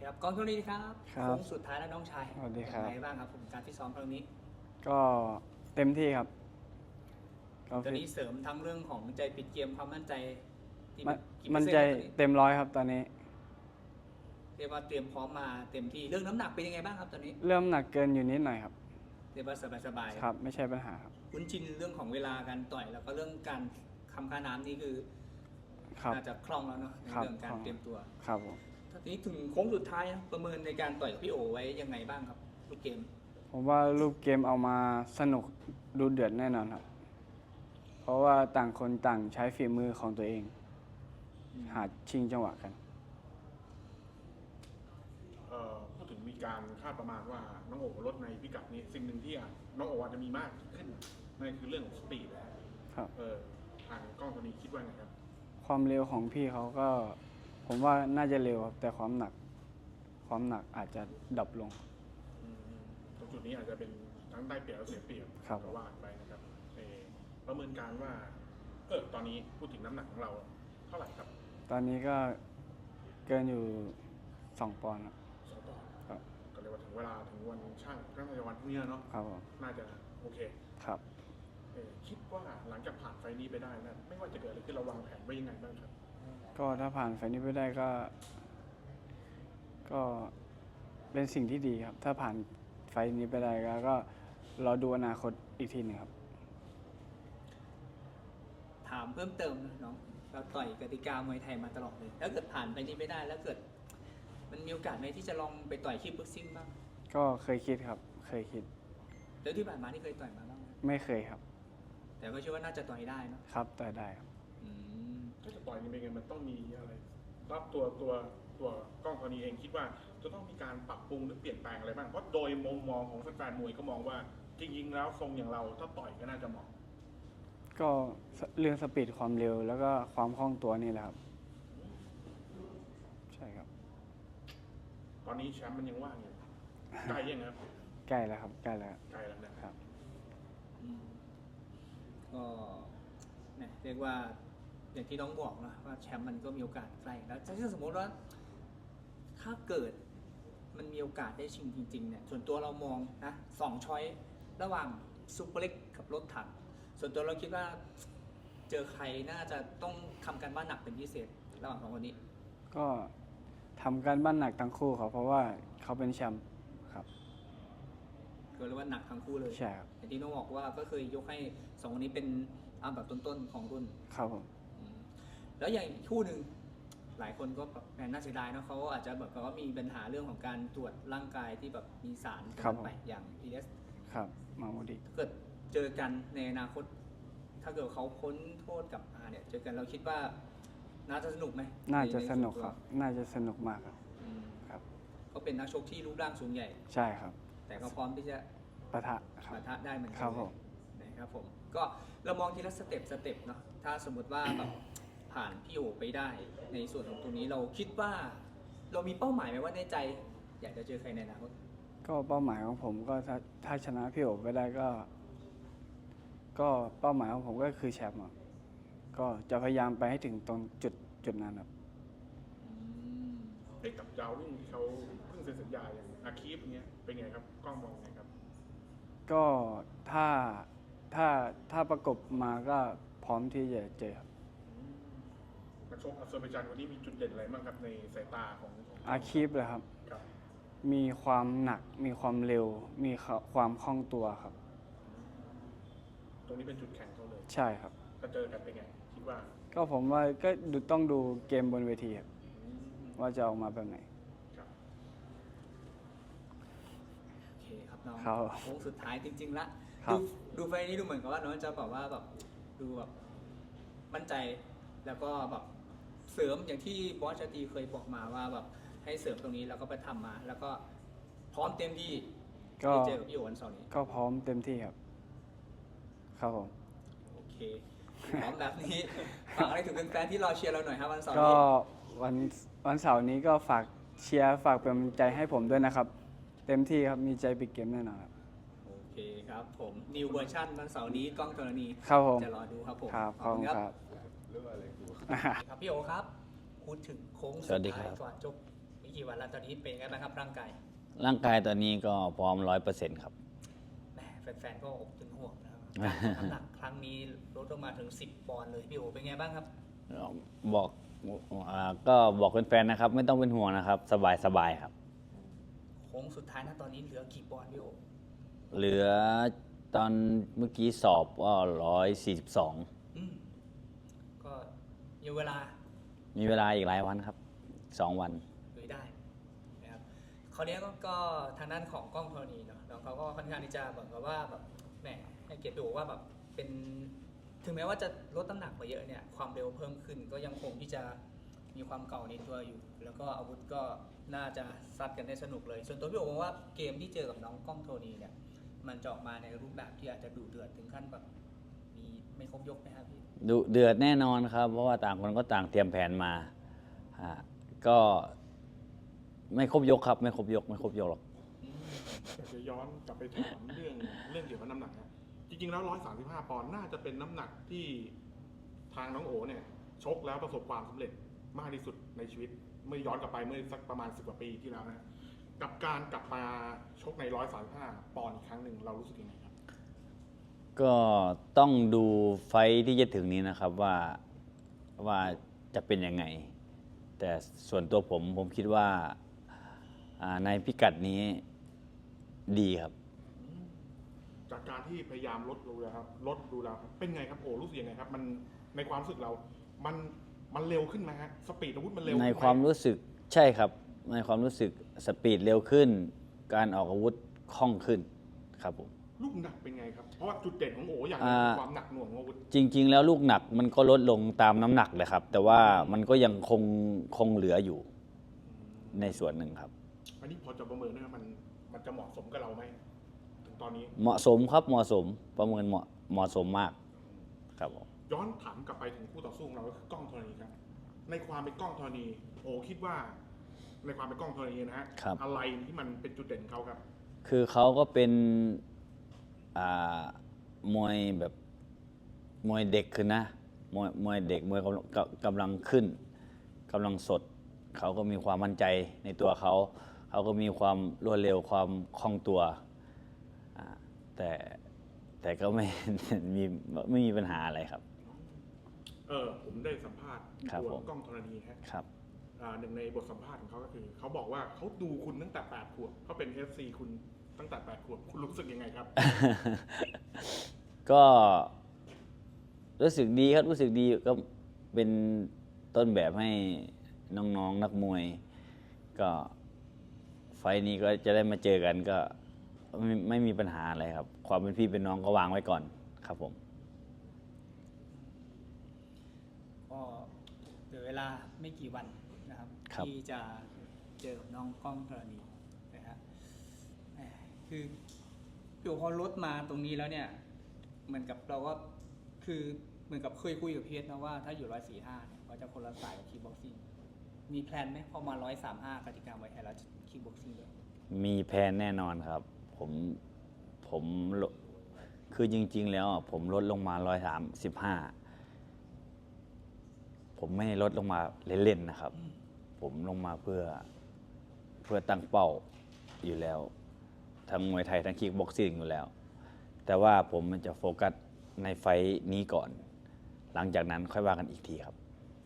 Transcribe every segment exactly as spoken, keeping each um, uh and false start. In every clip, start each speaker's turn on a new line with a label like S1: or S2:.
S1: ครับกองทุนนี้ครับ
S2: ครับ
S1: โค้งสุดท้ายแล้วน้องชาย
S2: สวัสดีครับ
S1: เป็นไงบ้างครับผมการฟิตซ้อมครั้งนี้
S2: ก็เต็มที่ครับก็
S1: ตอน
S2: ฟิต
S1: นี้เสริมทั้งเรื่องของใจปิดเกมความมั่นใจที่
S2: มัน
S1: กี่เปอ
S2: มัน
S1: ร์เซ็น
S2: ใจ
S1: ต์ครับตอนนี้
S2: เต็มร้อยครับตอนนี้
S1: เรียกว่าเตรียมพร้อมมาเต็มที่เรื่องน้ำหนักเป็นยังไงบ้างครับตอนนี้
S2: เริ่มหนักเกินอยู่นิดหน่อยครับ
S1: เรียกว่าสบายๆ
S2: ครับ ไม่ใช่ปัญหาครับ
S1: คุ้นชินเรื่องของเวลาการต่อยแล้วก็เรื่องการคำค่าน้ำนี่คือ
S2: ครับ
S1: น่าจะคล่องแล้วเนาะใน
S2: ครับ
S1: เรื่องการ
S2: คล่อง
S1: เตรียมตัว
S2: ครับผม
S1: ทีนี้ถึงโค้งสุดท้ายนะประเมินในการต่อยกับพี่โอไว้ยังไงบ้างครับลูกเกม
S2: ผมว่ารูปเกมเอามาสนุกดูเดือดแน่นอนครับ เพราะว่าต่างคนต่างใช้ฝีมือของตัวเอง หาชิงจังหวะกัน
S3: เอ่อพูดถึงมีการคาดประมาณว่าน้องโอลดในพิกัดนี้สิ่งหนึ่งที่อาจน้องโออาจจะมีมากขึ้นนั่นคือเรื่องของสปีดนะครับ เออทางกล้องตัวนี้คิดว่าไงครับ
S2: ความเร็วของพี่เขาก็ ผมว่าน่าจะเร็วครับแต่ความหนัก ความหนักอาจจะดรอปลง
S3: อืมตรงจุดนี้อาจจะเป็นทั้งได้เปรียบและเสียเปรียบ
S2: ครับ
S3: ก็ว่ากันไปนะครับเออประเมินการว่าเออตอนนี้พูดถึงน้ำหนักของเราเท่าไหร่ครับ
S2: ตอนนี้ก็เกินอยู่สองปอนด์ครับ
S3: สองปอนด์
S2: ครับ
S3: ก็เรียกว่าถึงเวลาถึงวันช่างก็ในวันพรุ่งนี้เนาะ
S2: ครับผม
S3: น่าจะโอเค
S2: ครับ
S3: เออคิดว่าหลังจากผ่านไฟล์นี้ไปได้นะไม่ว่าจะเกิดอะไรขึ้นเราวางแผนไว้ยังไงบ้างครับ
S2: ก็ถ้าผ่านไฟล์นี้ไปได้ก็ ก็เป็นสิ่งที่ดีครับ ถ้าผ่านไฟล์นี้ไปได้ก็ก็รอดูอนาคตอีกทีหนึงครับ
S1: ถามเพิ่มเติมนะน้องเราต่อยกติกามวยไทยมาตลอดเลยแล้วเกิดผ่านไปนี้ไม่ได้แล้วเกิด มันมีโอกาสไหมที่จะลองไปต่อยคิกบ็อกซิ่งบ้าง
S2: ก็เคยคิดครับ เคยคิด
S1: แล้วที่ผ่านมานี่เคยต่อยมาบ้างไหม
S2: ไม่เคยครับ
S1: แต่ก็เชื่อว่าน่าจะต่อยได้เนอะ
S2: ครับแต่ได้ครับ
S1: อืม
S3: ถ้าจะต่อยนี่เป็นไงมันต้องมีอะไรรับตัวตัวตัวกล้องตัวนี้เองคิดว่าจะต้องมีการปรับปรุงหรือเปลี่ยนแปลงอะไรบ้างเพราะโดยมุมมองของแฟนๆมวยก็มองว่าจริงๆแล้วทรงอย่างเราถ้าต่อยก็น่าจะเหมาะ
S2: ก็เรื่องสปีดความเร็วแล้วก็ความคล่องตัวนี่แหละครับ ใช่ครับ
S3: ตอนนี้แชมป์มันยังว่างอยู่ใกล้ยังครับ
S2: ใกล้แล้วครับ ใกล้แล้ว
S3: ใกล้แล้วนะครับ
S1: อืมก็เนี่ยเรียกว่าอย่างที่น้องบอกนะว่าแชมป์มันก็มีโอกาสใกล้แล้วถ้าสมมติว่า ถ้าเกิดมันมีโอกาสได้ชิงจริงๆเนี่ยส่วนตัวเรามองนะสองช้อยระหว่างซุปเปอร์เล็กกับรถถังส่วนตัวเราคิดว่าเจอใครน่าจะต้องทำการบ้านหนักเป็นพิเศษระหว่างสองคนนี้
S2: ก็ทำการบ้านหนักทั้งคู่ครับเพราะว่าเขาเป็นแชมป์ครับ
S1: ก็เรียกว่าหนักทั้งคู่เลย
S2: ใช่ครับ
S1: อย่างที่น้องบอกว่าก็เคยยกให้สองคนนี้เป็นอันดับต้นๆของรุ่น
S2: ครับผม
S1: อืมแล้วอย่างอีกคู่หนึ่งหลายคนก็แบบแหมน่าเสียดายเนอะเขาอาจจะแบบว่ามีปัญหาเรื่องของการตรวจร่างกายที่แบบมีสารไปอย่าง พี เอส
S2: ครับมาโมดิ
S1: ถ้าเกิดเจอกันในอนาคต ถ้าเกิดเขาพ้นโทษกลับมาเนี่ยเจอกันเราคิดว่าน่าจะสนุกไหม
S2: น่าจะ
S1: ใใ
S2: สนุก
S1: ส่ว
S2: ครับ น่าจะสนุกมากครับ
S1: อืม
S2: ครับ
S1: เขาเป็นนักชกที่รูปร่างสูงใหญ่
S2: ใช่ครับ
S1: แต่ก็พร้อมที่จะ
S2: ปะทะครับ
S1: ปะทะได้เหมือนกั
S2: ครับผม
S1: นะครับผมก็เรามองทีละสเต็ปสเต็ปเนาะถ้าสมมติว่าแบบผ่านพี่โอไปได้ในส่วนของตรงนี้เราคิดว่าเรามีเป้าหมายไหมว่าในใจ อยากจะเจอใครในอนาคต
S2: ก็เป้าหมายของผมก็ถ้าถ้าชนะพี่โอไปได้ก็ ก็เป้าหมายของผมก็คือแชมป์อะก็จะพยายามไปให้ถึงตรงจุดจุดนั้นครับ
S1: อืม
S3: เอ้กับดาวรุ่งที่เขาเพิ่งเซ็นสัญญาอย่างอาคีฟเงี้ยเป็นไงครับกล้องมองไงครับ
S2: ก็ถ้าถ้าถ้าประกบมาก็พร้อมที่จะเจอครับ
S3: นักชกอาเซอร์ไบจานวันนี้มีจุดเด่นอะไรบ้างครับในสายตาของของ
S2: อาคีฟเลยครับ
S3: ครับ
S2: มีความหนัก มีความเร็ว มีความคล่องตัวครับ
S3: ตรงนี้เป็นจุดแข็งเขาเลย
S2: ใช่ครับ
S3: ถ้าเจอกันเป็นไงคิดว่า
S2: ก็ผมว่าก็ดูต้องดูเกมบนเวทีครับ
S3: อืม
S2: ว่าจะออกมาแบบไหน
S3: ครับ
S1: โอเคครับน้อง
S2: ครับ
S1: โค้งสุดท้ายจริงๆละ
S2: ครับ
S1: ดูดูไฟล์นี้ดูเหมือนกับว่าน้องจะแบบว่าแบบดูแบบมั่นใจแล้วก็แบบเสริมอย่างที่บอสชาตรีเคยบอกมาว่าแบบให้เสริมตรงนี้แล้วก็ไปทำมา แล้วก็พร้อมเต็มที่
S2: ก็
S1: ที่เจอกับพี่โอวันเสาร์นี้
S2: ก็พร้อมเต็มที่ครับ ครับผม
S1: โอเคพร้อมแบบนี้ ฝากอะไรถึงแฟนๆที่รอเชียร์เราหน่อยครับวันเสาร์
S2: ก็
S1: นี้
S2: วันวันเสาร์นี้ก็ฝากเชียร์ฝากเป็นกำลังใจให้ผมด้วยนะครับ เต็มที่ครับ มีใจปิดเกมแน่นอนครับ
S1: โอเคครับผมนิวเวอร์ชันวันเสาร์นี้กล้องธรณี
S2: ครับผม
S1: จะรอดูครับผม
S2: ครับ ขอบคุณครับ
S1: ครับพี่โอครับพูดถึงโค้ง
S4: สวัสดีครับ
S1: ก่อนจบกี่วันแล้วตอนนี้เป็นไงบ้างครับร่างกาย
S4: ร่างกายตอนนี้ก็พร้อมร้อยเปอร์เซ็นต์ครับ
S1: แหมแฟนๆก็อบเป็นห่วงนะครับน้ำหนักครั้งนี้ลดลงมาถึงสิบปอนด์เลยพี่โอเป็นไงบ้างครับ
S4: บอกอ่าก็บอกแฟนๆนะครับ ไม่ต้องเป็นห่วงนะครับ สบายสบายครับ
S1: โค้งสุดท้ายนะตอนนี้เหลือกี่ปอนด์พี่โอ
S4: เหลือตอนเมื่อกี้สอบก็ร้อยสี่สิบสอง
S1: อืมก็ยังเวลา
S4: มีเวลาอีกหลายวันครับสองวัน
S1: ลุยได้นะครับคราวนี้ก็ก็ทางด้านของกล้องธรณีเนาะน้องเขาก็ค่อนข้างที่จะเหมือนกับว่าแบบแหมให้เกียรติดูว่าแบบเป็นถึงแม้ว่าจะลดน้ำหนักมาเยอะเนี่ยความเร็วเพิ่มขึ้นก็ยังคงที่จะมีความเก่าในตัวอยู่ แล้วก็อาวุธก็น่าจะซัดกันได้สนุกเลย ส่วนตัวพี่โอมองว่าเกมที่เจอกับน้องกล้องโทนีเนี่ยมันจะออกมาในรูปแบบที่อาจจะดุเดือดถึงขั้นแบบมีไม่ครบยกไหมครับพี่
S4: ดุเดือดแน่นอนครับ เพราะว่าต่างคนก็ต่างเตรียมแผนมาอ่าก็ไม่ครบยกครับ ไม่ครบยก ไม่ครบยกหรอก
S3: อยากจะย้อนกลับไปถามเรื่องเรื่องเกี่ยวกับน้ำหนักนะจริงๆแล้วร้อยสามสิบห้าปอนด์น่าจะเป็นน้ำหนักที่ทางน้องโอเนี่ยชกแล้วประสบความสำเร็จมากที่สุดในชีวิตเมื่อย้อนกลับไปเมื่อสักประมาณสิบกว่าปีที่แล้วนะกับการกลับมาชกในร้อยสามสิบห้าปอนด์อีกครั้งหนึ่งเรารู้สึกยังไงครับ
S4: ก็ต้องดูไฟท์ที่จะถึงนี้นะครับว่าว่าจะเป็นยังไง แต่ส่วนตัวผมผมคิดว่าอ่าในพิกัดนี้ดีครับ
S3: จากการที่พยายามลดดูแล้วครับลดดูแล้วครับเป็นไงครับโอ้รู้สึกยังไงครับมันในความรู้สึกเรา มันมันเร็วขึ้นไหมฮะสปีดอาวุธมันเร็วขึ้น
S4: ใน
S3: ไหม
S4: ความรู้สึกใช่ครับ ในความรู้สึกสปีดเร็วขึ้น การออกอาวุธคล่องขึ้นครับผม
S3: ลูกหนักเป็นไงครับเพราะว่าจุดเด่นของโอ้อย่างห
S4: อ่า
S3: นึงคือความหนักหน่วงของอาวุธ
S4: จริง ๆ แล้วลูกหนักมันก็ลดลงตามน้ำหนักเลยครับ แต่ว่ามันก็ยังคงคงเหลืออยู่ในส่วนหนึ่งครับ
S3: อันนี้พอจะประเมินได้ไหมมันมันจะเหมาะสมกับเราไหมถึงตอนนี้
S4: เหมาะสมครับเหมาะสมประเมินเหมาะเหมาะสมมากครับผม
S3: ย้อนถามกลับไปถึงคู่ต่อสู้ของเราก็คือกล้องธรณีครับ ในความเป็นกล้องธรณี โอ้คิดว่า ในความเป็นกล้องธรณีนะฮะ
S4: ครับ
S3: อะไรที่มันเป็นจุดเด่นของเขาครับ
S4: คือเขาก็เป็นอ่ามวยแบบมวยเด็กขึ้นนะมวยมวยเด็กมวยกำลังกกำลังขึ้นกำลังสด เขาก็มีความมั่นใจในตัวเขา เขาก็มีความรวดเร็วความคล่องตัวอ่าแต่แต่ก็ไม่ มีไม่มีปัญหาอะไรครับ
S3: เออผมได้สัมภาษณ์
S4: ครับ
S3: ตัว
S4: ผม
S3: กล้องธรณีฮะ
S4: ครับ
S3: อ่าหนึ่งในบทสัมภาษณ์ของเขาก็คือเขาบอกว่าเขาดูคุณตั้งแต่แปดขวบเขาเป็น เอฟ ซี คุณตั้งแต่แปดขวบคุณรู้สึกยังไงครับ
S4: ก็รู้สึกดีครับรู้สึกดีก็เป็นต้นแบบให้น้องๆนักมวย ก็ไฟล์นี้ก็จะได้มาเจอกันก็ไม่ไม่มีปัญหาอะไรครับ ความเป็นพี่เป็นน้องก็วางไว้ก่อนครับผม
S1: ก็เหลือเวลาไม่กี่วันนะครับ
S4: ครับ
S1: ที่จะเจอกับน้องกล้องธรณีนะฮะแหมคือพี่โอพอลดมาตรงนี้แล้วเนี่ยเหมือนกับเราก็คือเหมือนกับเคยคุยกับพีเอสนะว่าถ้าอยู่ร้อยสี่ห้าเนี่ยก็จะคนละสายกับคิกบ็อกซิ่งมีแพลนไหมพอมาร้อยสามห้ากติกาไว้ให้แล้วคิกบ็อกซิ่งด้วย
S4: มีแพลนแน่นอนครับ ผมผมลดคือจริง ๆ แล้วอ่ะผมลดลงมาร้อยสามสิบห้าผมไม่ได้ลดลงมาเล่นๆนะครับ ผมลงมาเพื่อเพื่อตั้งเป้าอยู่แล้ว ทั้งมวยไทยทั้งคิกบ็อกซิ่งอยู่แล้ว แต่ว่าผมมันจะโฟกัสในไฟท์นี้ก่อน หลังจากนั้นค่อยว่ากันอีกทีครับ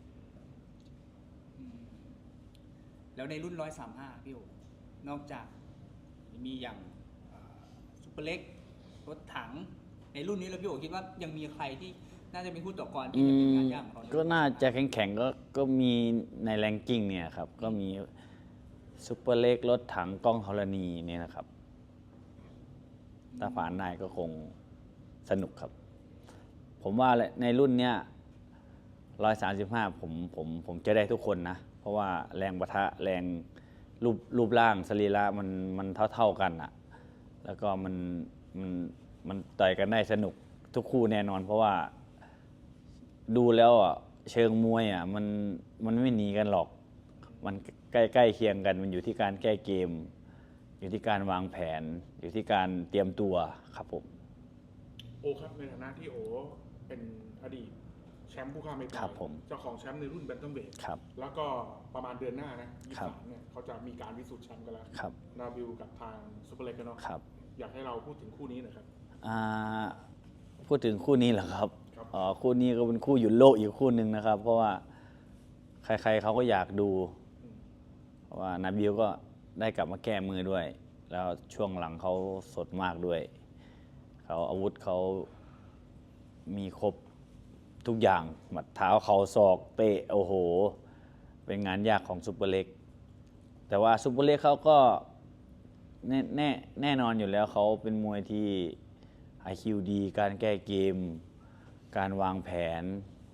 S1: อืมแล้วในรุ่นร้อยสามห้าพี่โอนอกจากมีอย่างเอ่อซุปเปอร์เล็กรถถัง ในรุ่นนี้แล้วพี่โอคิดว่ายังมีใครที่น่าจะเป็นคู่ต่อกรที่จะเป็นงานยากของเขาใน
S4: ก็น่าจะแข็งๆก็ก็มีในแรงกิ้งเนี่ยครับ ก็มีซุปเปอร์เล็กรถถังกล้องธรณีเนี่ยนะครับ ถ้าผ่านได้ก็คงสนุกครับ ผมว่าในรุ่นเนี้ยร้อยสามสิบห้าผมผมผมจะได้ทุกคนนะ เพราะว่าแรงปะทะแรงรูปรูปร่างสรีระมันมันเท่าเท่ากันอะแล้วก็มันมันมันต่อยกันได้สนุกทุกคู่แน่นอน เพราะว่าดูแล้วอ่ะเชิงมวยอ่ะมันมันไม่หนีกันหรอก มันใกล้ใกล้เคียงกัน มันอยู่ที่การแก้เกม อยู่ที่การวางแผน อยู่ที่การเตรียมตัวครับผม
S3: โอครับในฐานะที่โอเป็นอดีตแชแชมป์ผู้ค้าไม่ต่
S4: ครั
S3: อบ ย
S4: ผม
S3: เจ้าของแชมป์ในรุ่นแบนตัมเวท
S4: ครับ
S3: แล้วก็ประมาณเดือนหน้านะยี่
S4: ครั
S3: สิ
S4: บ
S3: บสามเนี่ยเขาจะมีการพิสูจน์แชมป์กันแล้ว
S4: ครับ
S3: นาบิลกับทางซุปเปอร์เล็กกันเนาะ
S4: ครับ
S3: อยากให้เราพูดถึงคู่นี้หน่อยครับ
S4: อ่าพูดถึงคู่นี้เหรอครับ
S3: ครับ
S4: อ๋อคู่นี้ก็เป็นคู่หยุดโลกอีกคู่หนึ่งนะครับ เพราะว่าใครๆเขาก็อยากดู
S3: อืม
S4: เพราะว่านาบิลก็ได้กลับมาแก้มือด้วย แล้วช่วงหลังเขาสดมากด้วย เขาอาวุธเขามีครบทุกอย่างหมัดเท้าเขาศอกเตะโอ้โห เป็นงานยากของซุปเปอร์เล็ก แต่ว่าซุปเปอร์เล็กเขาก็แน่แน่แน่นอนอยู่แล้วเขาเป็นมวยที่ ไอ คิว ดี การแก้เกม การวางแผน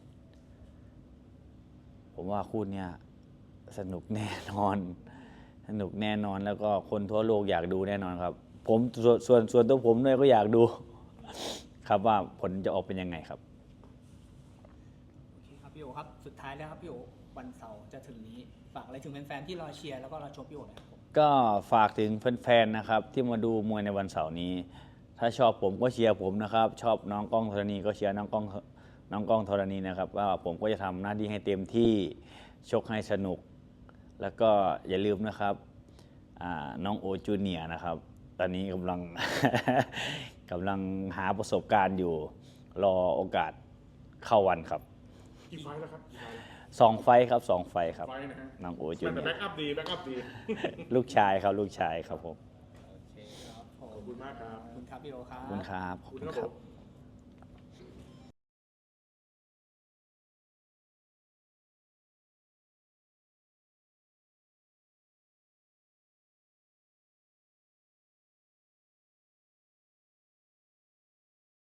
S4: ผมว่าคู่เนี้ยสนุกแน่นอน สนุกแน่นอนแล้วก็คนทั่วโลกอยากดูแน่นอนครับ ผมส่วนส่วนส่วนตัวผมด้วยก็อยากดู ครับว่าผลจะออกเป็นยังไงครับ
S1: โอเคครับพี่โอครับสุดท้ายแล้วครับพี่โอวันเสาร์จะถึงนี้ฝากอะไรถึงแฟนๆที่รอเชียร์แล้วก็รอชมพี่โอหนะครับผม
S4: ก็ฝากถึงแฟนๆนะครับ ที่มาดูมวยในวันเสาร์นี้ ถ้าชอบผมก็เชียร์ผมนะครับ ชอบน้องก้องธรณีก็เชียร์น้องก้องน้องก้องธรณีนะครับว่าผมก็จะทำหน้าที่ให้เต็มที่ชกให้สนุก แล้วก็อย่าลืมนะครับอ่าน้องโอจูเนียร์นะครับ ตอนนี้กำลัง กำลังหาประสบการณ์อยู่ รอโอกาสเข้าวันครับ
S3: กี่ไฟล์แล้วครับกี่ไฟล์แล้ว
S4: สองไฟท์ครับสองไฟท์ครับ
S3: ไฟล์นะฮะ
S4: น้องโอจู
S3: แต่
S4: เนีย
S3: แบ็ก
S4: ร์
S3: อัพดีแบ็กอัพดี
S4: ลูกชายครับลูกชายครับผม
S1: โอเคครับผม
S3: ขอบคุณมากครับ
S1: ขอบคุณครับพี่โอครั
S4: ขอบคุณ
S1: บ
S4: ครับข
S3: ข
S4: อ
S3: อ
S4: บบ
S3: คุณ
S4: คุณ
S3: ครับ
S4: ครั
S3: ผ
S4: บ
S3: ม